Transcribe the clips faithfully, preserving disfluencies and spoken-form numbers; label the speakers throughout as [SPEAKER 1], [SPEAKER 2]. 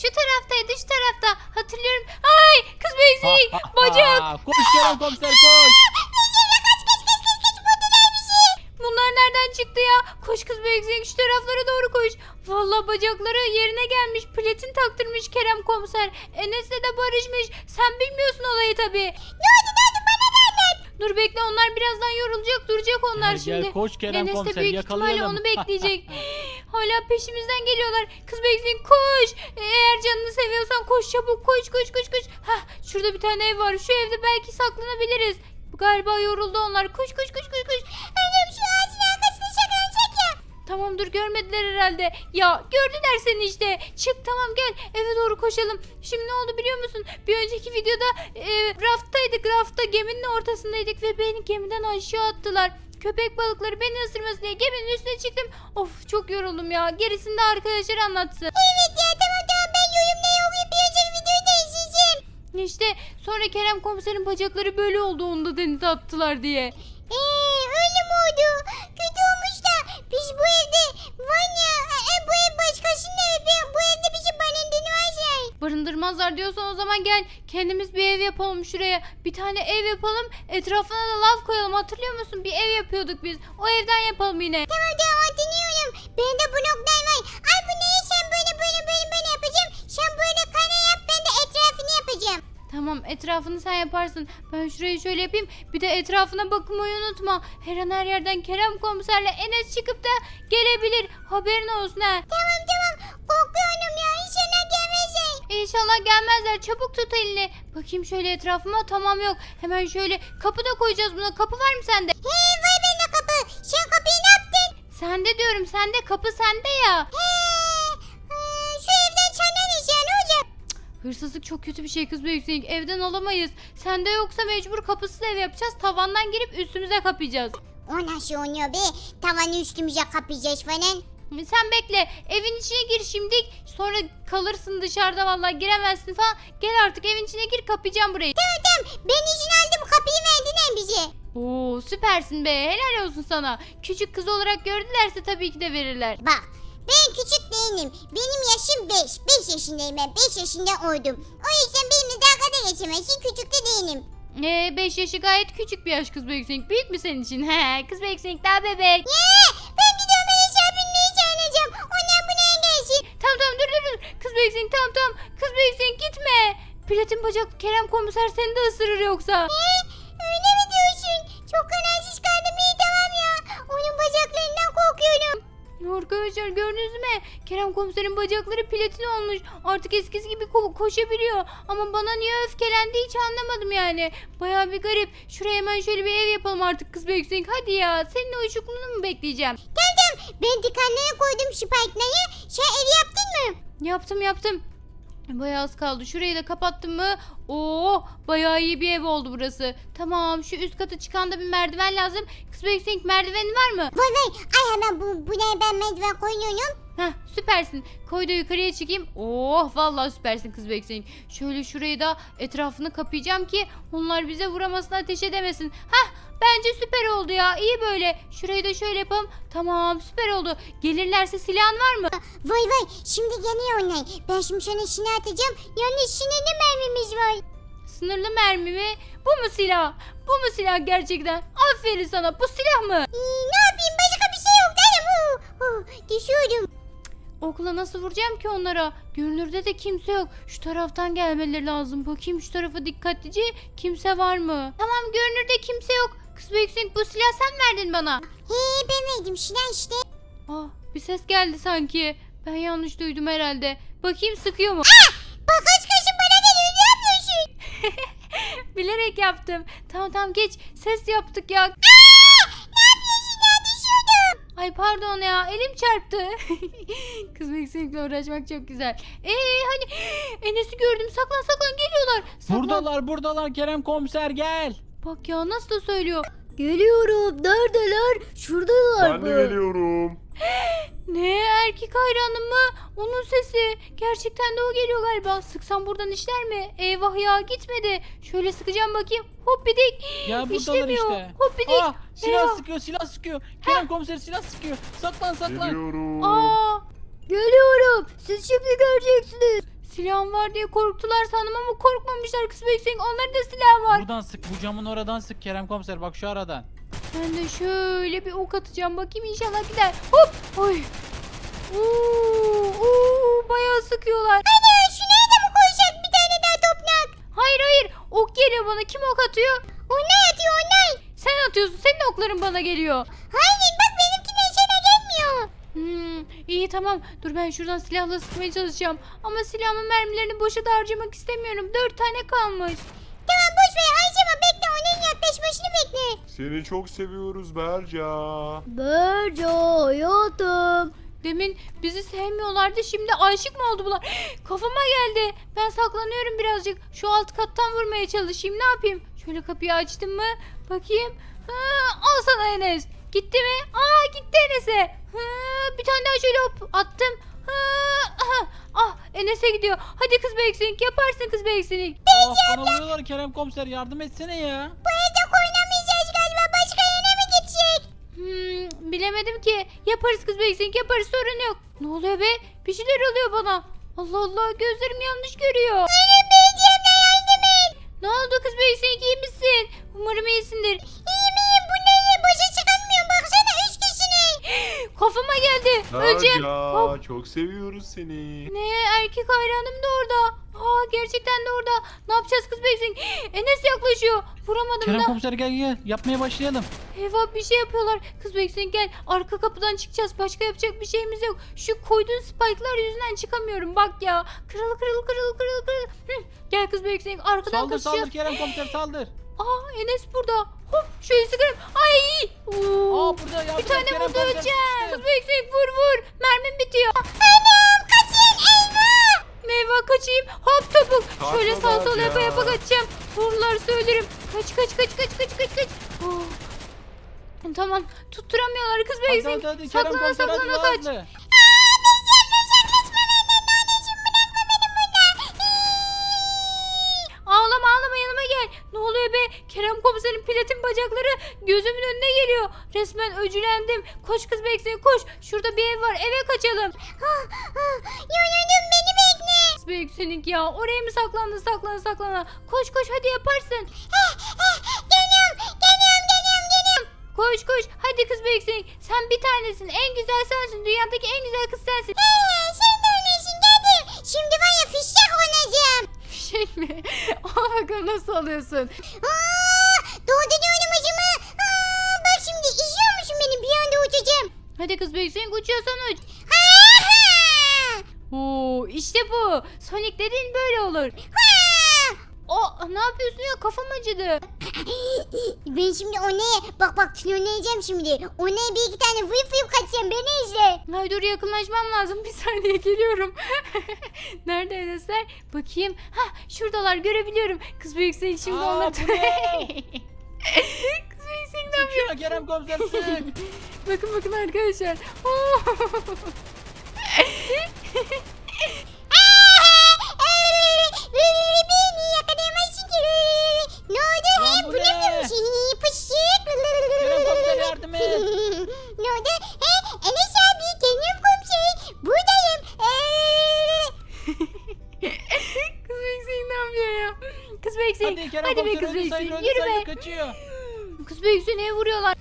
[SPEAKER 1] Şu taraftaydı, şu tarafta. Hatırlıyorum. Ay kız Beyzik. Bacak.
[SPEAKER 2] Koş Kerem komiser koş.
[SPEAKER 1] Bunlar nereden çıktı ya? Koş kız Beyzik, şu taraflara doğru koş. Vallahi bacakları yerine gelmiş. Platin taktırmış Kerem komiser. Enes'le de barışmış. Sen bilmiyorsun olayı tabii. Ne oldu ne oldu bana ne anlat. Dur bekle, onlar birazdan yorulacak, duracak onlar
[SPEAKER 2] Gel,
[SPEAKER 1] şimdi.
[SPEAKER 2] gel, koş Kerem
[SPEAKER 1] Enes de
[SPEAKER 2] komiser,
[SPEAKER 1] büyük ihtimalle
[SPEAKER 2] yakalayalım.
[SPEAKER 1] onu bekleyecek. Hala peşimizden geliyorlar. Kız Beyzik koş. Eğer canını seviyorsan koş çabuk, koş koş koş koş. Hah, şurada bir tane ev var. Şu evde belki saklanabiliriz. Galiba yoruldu onlar. Koş koş koş koş koş. Annem şu ağacın arkasında saklanacak ya. Tamam dur, görmediler herhalde. Ya gördüler seni işte. Çık tamam, gel eve doğru koşalım. Şimdi ne oldu biliyor musun? Bir önceki videoda e, raftaydık. Rafta geminin ortasındaydık ve beni gemiden aşağı attılar. Köpek balıkları beni ısırmasın diye geminin üstüne çıktım. Of çok yoruldum ya. Gerisini de arkadaşlar anlatsın. Evet ya tamam tamam, ben yorumda okuyup bir önceki videoyu da izleyeceğim. İşte sonra Kerem komiserin bacakları böyle oldu, onu da denize attılar diye. Eee öyle mi oldu? Kötü olmuş da biz bu evde var ya e, bu ev başkasının evi, bu evde bizi barındırmazlar. Barındırmazlar diyorsan o zaman gel kendimiz bir ev yapalım şuraya. Bir tane ev yapalım, etrafına da lav koyalım, hatırlıyor musun? Bir ev yapıyorduk biz, o evden yapalım yine. Tamam tamam hatırlıyorum. Benim de bloklar var. Ay bu neyi, sen böyle böyle böyle böyle yapacağım. Sen böyle kare yap, ben de etrafını yapacağım. Tamam, etrafını sen yaparsın. Ben şurayı şöyle yapayım. Bir de etrafına bakmayı unutma. Her an her yerden Kerem komiserle Enes çıkıp da gelebilir. Haberin olsun ha. Tamam tamam. Korkuyorum ya. İnşallah gelmezler. İnşallah gelmezler. Çabuk tut elini. Bakayım şöyle etrafıma. Tamam yok. Hemen şöyle kapı da koyacağız buna. Kapı var mı sende? He var bende kapı. Sen kapıyı ne yaptın? Sende diyorum. Sende, kapı sende ya. He. Şu evden çanan iş ya, ne olacak? Hırsızlık çok kötü bir şey kız Büyüksek. Evden alamayız. Sende yoksa mecbur kapısız ev yapacağız. Tavandan girip üstümüze kapayacağız.
[SPEAKER 3] O nasıl oluyor be? Tavanı üstümüze kapayacağız falan.
[SPEAKER 1] Sen bekle. Evin içine gir şimdi. Sonra kalırsın dışarıda, vallahi giremezsin falan. Gel artık evin içine gir, kapayacağım burayı.
[SPEAKER 3] Tamam tamam, ben izin aldım, kapıyı verdin bize.
[SPEAKER 1] Oo süpersin be. Helal olsun sana. Küçük kız olarak gördülerse tabii ki de verirler.
[SPEAKER 3] Bak, ben küçük değilim. Benim yaşım beş. beş yaşındayım ben. beş yaşında oldum. O yüzden benimle dalga geçemezsin. Küçük de değilim.
[SPEAKER 1] Ee, beş yaşı gayet küçük bir yaş kız Büyüksek. Büyük mü senin için? He, kız Büyüksek daha bebek.
[SPEAKER 3] Ya, ben gidiyorum, ben aşağı binmeyi çağıracağım. Onlar buraya gelsin.
[SPEAKER 1] Tamam tamam dur dur dur. Kız Büyüksek tamam tamam. Kız Büyüksek gitme. Platin bacak Kerem komiser seni de ısırır yoksa.
[SPEAKER 3] Ne? Öyle mi diyorsun? Çok kararsız kaldım, iyi tamam ya. Onun bacaklarından korkuyorum.
[SPEAKER 1] Arkadaşlar gördünüz mü? Kerem komiserin bacakları platin olmuş. Artık eskisi gibi ko- koşabiliyor. Ama bana niye öfkelendi hiç anlamadım yani. Baya bir garip. Şuraya hemen şöyle bir ev yapalım artık kız Büyüksek. Hadi ya. Senin o uyuşukluğunu mu bekleyeceğim?
[SPEAKER 3] Tamam tamam, ben dikenlere koydum spike'ları. Sen ev yaptın mı?
[SPEAKER 1] Yaptım yaptım. Bayağı az kaldı. Şurayı da kapattım mı? Oo, bayağı iyi bir ev oldu burası. Tamam, şu üst kata çıkan da bir merdiven lazım. Kız Büyüksek merdiveni var mı?
[SPEAKER 3] Vay vay, ay hemen bu, buraya ben merdiven koyuyorum.
[SPEAKER 1] Heh, süpersin. Koy da yukarıya çıkayım. Oh vallahi süpersin kız Büyüksek. Şöyle şurayı da etrafını kapayacağım ki onlar bize vuramasın, ateş edemesin. Hah, bence süper oldu ya. İyi böyle. Şurayı da şöyle yapalım. Tamam, süper oldu. Gelirlerse silahın var mı?
[SPEAKER 3] Vay vay, şimdi geliyor onlar. Ben şimdi sana şunu atacağım. Yalnız şimdi ne mermimiz var?
[SPEAKER 1] Sınırlı mermi mi? Bu mu silah? Bu mu silah gerçekten? Aferin sana. Bu silah mı?
[SPEAKER 3] Ee, ne yapayım, başka bir şey yok dedim. Uh, uh, düşüyordum.
[SPEAKER 1] Okula nasıl vuracağım ki onlara? Görünürde de kimse yok. Şu taraftan gelmeleri lazım. Bakayım şu tarafa dikkatlice. Kimse var mı? Tamam, görünürde kimse yok. Kız Büyüksek, bu silah sen verdin bana.
[SPEAKER 3] He, ben verdim şuna işte.
[SPEAKER 1] Ah, bir ses geldi sanki. Ben yanlış duydum herhalde. Bakayım sıkıyor mu?
[SPEAKER 3] Bak kaç kaşın bana geliyor, ne yapıyorsun?
[SPEAKER 1] Bilerek yaptım. Tamam tamam geç. Ses yaptık ya.
[SPEAKER 3] Ne yapıyorsun ya, düşüyordum.
[SPEAKER 1] Ay pardon ya, elim çarptı. Kız Büyüksek'le uğraşmak çok güzel. Eee hani Enes'i gördüm, saklan saklan geliyorlar. Saklan.
[SPEAKER 2] Buradalar buradalar Kerem komiser gel.
[SPEAKER 1] Bak ya nasıl da söylüyor.
[SPEAKER 3] Geliyorum, neredeler? Şuradalar
[SPEAKER 4] Ben de geliyorum.
[SPEAKER 1] Ne, erkek hayranım mı? Onun sesi. Gerçekten de o geliyor galiba. Sıksam buradan işler mi? Eyvah ya, gitmedi. Şöyle sıkacağım bakayım. Hoppidik.
[SPEAKER 2] Ya buradalar
[SPEAKER 1] İşlemiyor.
[SPEAKER 2] işte.
[SPEAKER 1] Hoppidik.
[SPEAKER 2] Ah, silah
[SPEAKER 1] Eyvah.
[SPEAKER 2] sıkıyor silah sıkıyor. Kerem komiser silah sıkıyor. Saklan saklan.
[SPEAKER 4] Geliyorum.
[SPEAKER 1] Aa,
[SPEAKER 3] Geliyorum, siz şimdi göreceksiniz.
[SPEAKER 1] Silahım var diye korktular sandım ama korkmamışlar kız bekleyin. Onların da silahı var.
[SPEAKER 2] Buradan sık, bu camın oradan sık Kerem komiser, bak şu aradan.
[SPEAKER 1] Ben de şöyle bir ok atacağım. Bakayım inşallah gider. Hop. Oy. Oo, oo, bayağı sıkıyorlar.
[SPEAKER 3] Ana şuraya da mı koysak bir tane daha toprak?
[SPEAKER 1] Hayır hayır. Ok geliyor bana. Kim ok atıyor?
[SPEAKER 3] Onlar atıyor onlar.
[SPEAKER 1] Sen atıyorsun. Senin okların bana geliyor.
[SPEAKER 3] Hayır bak benimkinden sana gelmiyor.
[SPEAKER 1] Hmm, iyi tamam. Dur ben şuradan silahla sıkmaya çalışacağım. Ama silahımın mermilerini boşa da harcamak istemiyorum. Dört tane kalmış.
[SPEAKER 3] Tamam boş ver harcama bekle onun yaklaşmasını bekle.
[SPEAKER 4] Seni çok seviyoruz Berca.
[SPEAKER 1] Berca hayatım. Demin bizi sevmiyorlardı. Şimdi aşık mı oldu bunlar? Kafama geldi. Ben saklanıyorum birazcık. Şu alt kattan vurmaya çalışayım. Ne yapayım? Şöyle kapıyı açtım mı? Bakayım. Ha, al sana Enes. Gitti mi? Aa gitti Enes'e. Ha, bir tane daha şöyle hop attım. Ha, aha. Ah Enes'e gidiyor. Hadi kız Beksink yaparsın kız Beksink.
[SPEAKER 2] Ah, bana vuruyorlar Kerem komiser, yardım etsene ya.
[SPEAKER 3] Bu evde oynamayacağız galiba başka yere mi gidecek?
[SPEAKER 1] Hmm, bilemedim ki. Yaparız kız Beksink yaparız sorun yok. Ne oluyor be? Bir şeyler oluyor bana. Allah Allah gözlerim yanlış görüyor.
[SPEAKER 3] Benim beyciğimle yardım et.
[SPEAKER 1] Ne oldu kız Beksink iyi misin? Umarım iyisindir.
[SPEAKER 3] İyiyim iyiyim bu ne iyi başa çıkamıyorum baksana üç kişinin.
[SPEAKER 1] Kafama geldi. Öleceğim. Hop.
[SPEAKER 4] Berca çok seviyoruz seni.
[SPEAKER 1] Ne erkek hayranım da orada. Aa gerçekten de orada. Ne yapacağız kız Beksink? Enes yaklaşıyor. Vuramadım
[SPEAKER 2] Kerem
[SPEAKER 1] da.
[SPEAKER 2] komiser gel gel, yapmaya başlayalım.
[SPEAKER 1] Eyvah bir şey yapıyorlar. Kız Beksink gel. Arka kapıdan çıkacağız. Başka yapacak bir şeyimiz yok. Şu koyduğun spike'lar yüzünden çıkamıyorum. Bak ya. Kırıl kırıl kırıl kırıl kırıl. Hı. Gel kız Beksink. Arkadan
[SPEAKER 2] Saldır
[SPEAKER 1] kaçacağız.
[SPEAKER 2] saldır Kerem komiser, saldır.
[SPEAKER 1] Aa Enes burada. Hop şöyle sıkarım. Ay. Oo.
[SPEAKER 2] Aa burada yardım
[SPEAKER 1] Bir
[SPEAKER 2] et,
[SPEAKER 1] tane
[SPEAKER 2] Kerem
[SPEAKER 1] vurdu
[SPEAKER 2] komiser,
[SPEAKER 1] öleceğim.
[SPEAKER 2] sıkıştı.
[SPEAKER 1] Kız Beksink vur vur. Mermim bitiyor.
[SPEAKER 3] Anam kaçın eyvah.
[SPEAKER 1] Meyve kaçayım. Hop topuk.
[SPEAKER 4] Kaçma
[SPEAKER 1] Şöyle sağ sol
[SPEAKER 4] Berca.
[SPEAKER 1] yapa yapa kaçacağım. Vururlar söylerim. Kaç kaç kaç kaç kaç kaç kaç. Oh. Tamam tutturamıyorlar kız
[SPEAKER 2] Hadi
[SPEAKER 1] Beksink.
[SPEAKER 2] hadi hadi Kerem
[SPEAKER 1] Saklana
[SPEAKER 2] komiser, hadi
[SPEAKER 1] saklana
[SPEAKER 2] daha
[SPEAKER 1] kaç.
[SPEAKER 2] hızlı.
[SPEAKER 1] Ağlama ağlama yanıma gel. Ne oluyor be? Kerem komiserin platin bacakları gözümün önüne geliyor. Resmen öcülendim. Koş kız Beksink koş. Şurada bir ev var eve kaçalım.
[SPEAKER 3] Yoruldum beni bekle.
[SPEAKER 1] Kız Beksink ya oraya mı saklandın saklana saklana. Koş koş hadi yaparsın.
[SPEAKER 3] Geliyorum geliyorum geliyorum geliyorum.
[SPEAKER 1] Koş koş hadi kız Beksink. Sen bir tanesin en güzel sensin. Dünyadaki en güzel kız sensin.
[SPEAKER 3] Ee, sen de öylesin geldim. Şimdi var ya fişek oynayacağım.
[SPEAKER 1] Şey mi? Al bakalım nasıl alıyorsun.
[SPEAKER 3] Aa, doğdu diyorum acımı. Aa, bak şimdi izliyor musun beni bir anda uçacağım.
[SPEAKER 1] Hadi kız Beksink uçuyorsan uç.
[SPEAKER 3] Ha, ha.
[SPEAKER 1] Oo, işte bu. Sonic dediğin böyle olur.
[SPEAKER 3] Ha.
[SPEAKER 1] O ne yapıyorsun ya kafam acıdı.
[SPEAKER 3] Ben şimdi o neye bak bak oynayacağım şimdi. O neye bir iki tane vıyıp vıyıp kaçacağım beni izle.
[SPEAKER 1] Ay dur yakınlaşmam lazım. Bir saniye geliyorum. Nerede Enesler? Bakayım. Hah şuradalar görebiliyorum. Kız Büyüksek şimdi
[SPEAKER 2] Aa,
[SPEAKER 1] onları...
[SPEAKER 2] bu ne?
[SPEAKER 1] Kız Büyüksek ne
[SPEAKER 2] Sık
[SPEAKER 1] yapıyor?
[SPEAKER 2] şuna Kerem komiser, sık.
[SPEAKER 1] Bakın bakın arkadaşlar. Oo.
[SPEAKER 3] Beni yakalayamazsın ki. Ne oldu?
[SPEAKER 2] Lan
[SPEAKER 3] He
[SPEAKER 2] bu
[SPEAKER 3] bulamıyor
[SPEAKER 2] ne?
[SPEAKER 3] musun? Pışık.
[SPEAKER 2] Kerem komiser yardım et.
[SPEAKER 3] Ne oldu? He Enes abi Kerem komiser. Buradayım.
[SPEAKER 1] Kız Büyüksek ne yapıyor ya? Kız Büyüksek.
[SPEAKER 2] Hadi Kerem
[SPEAKER 1] Hadi be
[SPEAKER 2] komiser,
[SPEAKER 1] kız
[SPEAKER 2] öldü sayılır,
[SPEAKER 1] Büyüksek.
[SPEAKER 2] öldü
[SPEAKER 1] Yürü
[SPEAKER 2] sayılır,
[SPEAKER 1] be.
[SPEAKER 2] kaçıyor.
[SPEAKER 1] Kız Büyüksek neye vuruyorlar?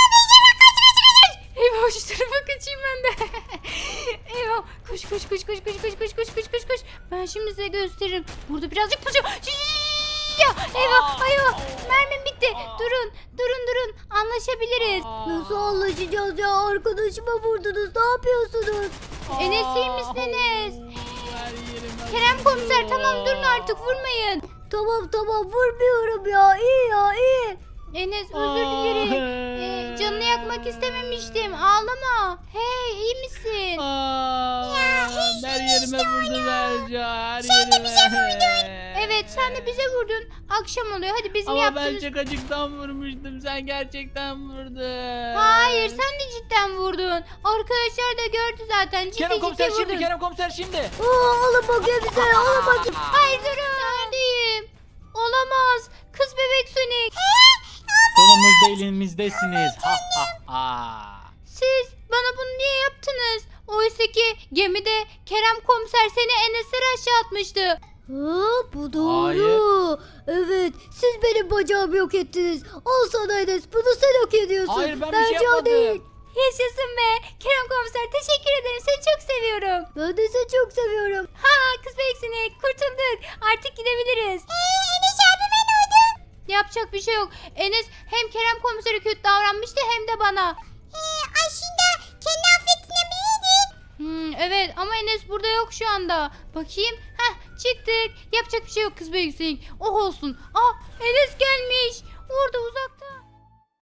[SPEAKER 1] Eyvah şu tarafa kaçayım ben de. Eyvah. Koş koş koş koş koş koş koş koş koş koş koş. Ben şimdi size gösteririm. Burada birazcık pusu. Ya eyvah eyvah. Mermim bitti. Durun durun durun. Anlaşabiliriz.
[SPEAKER 2] Nasıl
[SPEAKER 1] anlaşacağız ya? Arkadaşıma vurdunuz. Ne yapıyorsunuz? Enes iyi misiniz?
[SPEAKER 2] Her yerim
[SPEAKER 1] Kerem
[SPEAKER 2] acıyor.
[SPEAKER 1] komiser tamam durun artık vurmayın.
[SPEAKER 5] Tamam tamam vurmuyorum ya iyi ya iyi.
[SPEAKER 1] Enes özür dilerim. Ee, canını yakmak istememiştim. Ağlama. Hey iyi misin?
[SPEAKER 2] Aa, her yerime vurdu Berca, her yerime.
[SPEAKER 1] Evet sen de bize vurdun. Akşam oluyor. Hadi bizim
[SPEAKER 2] Ama ben
[SPEAKER 1] yaptığımız...
[SPEAKER 2] çok acıktan vurmuştum, sen gerçekten vurdun.
[SPEAKER 1] Hayır sen de cidden vurdun. Arkadaşlar da gördü zaten. Ciddi
[SPEAKER 2] Kerem
[SPEAKER 1] ciddi
[SPEAKER 2] komiser
[SPEAKER 1] vurdun.
[SPEAKER 2] şimdi, Kerem komiser şimdi.
[SPEAKER 5] Aa, alın bakayım bize alın bakayım.
[SPEAKER 1] Hayır durun. Neredeyim? Olamaz. Kız bebek Sonic.
[SPEAKER 2] Sonumuzda elimizdesiniz. Ha ha ha.
[SPEAKER 1] Siz bana bunu niye yaptınız? O Oysa ki gemide Kerem komiser seni Enes'e aşağı atmıştı.
[SPEAKER 5] Ha, bu doğru. Evet, siz benim bacağımı yok ettiniz. Al sana Enes, bunu sen hak ediyorsun.
[SPEAKER 2] Hayır, ben bir şey
[SPEAKER 5] Bence o
[SPEAKER 2] yapmadım.
[SPEAKER 5] değil.
[SPEAKER 1] Yaşasın be. Kerem komiser teşekkür ederim. Seni çok seviyorum.
[SPEAKER 5] Ben de seni çok seviyorum.
[SPEAKER 1] Ha kız beksini kurtulduk. Artık gidebiliriz.
[SPEAKER 3] Eee Enes abime ne oldu?
[SPEAKER 1] Yapacak bir şey yok. Enes hem Kerem komisere kötü davranmıştı hem de bana.
[SPEAKER 3] Eee aslında kendi affettirebilirdin.
[SPEAKER 1] Hmm, evet ama Enes burada yok şu anda. Bakayım. Heh çıktık. Yapacak bir şey yok kız beksini. Oh olsun. Ah Enes gelmiş. Orada uzakta.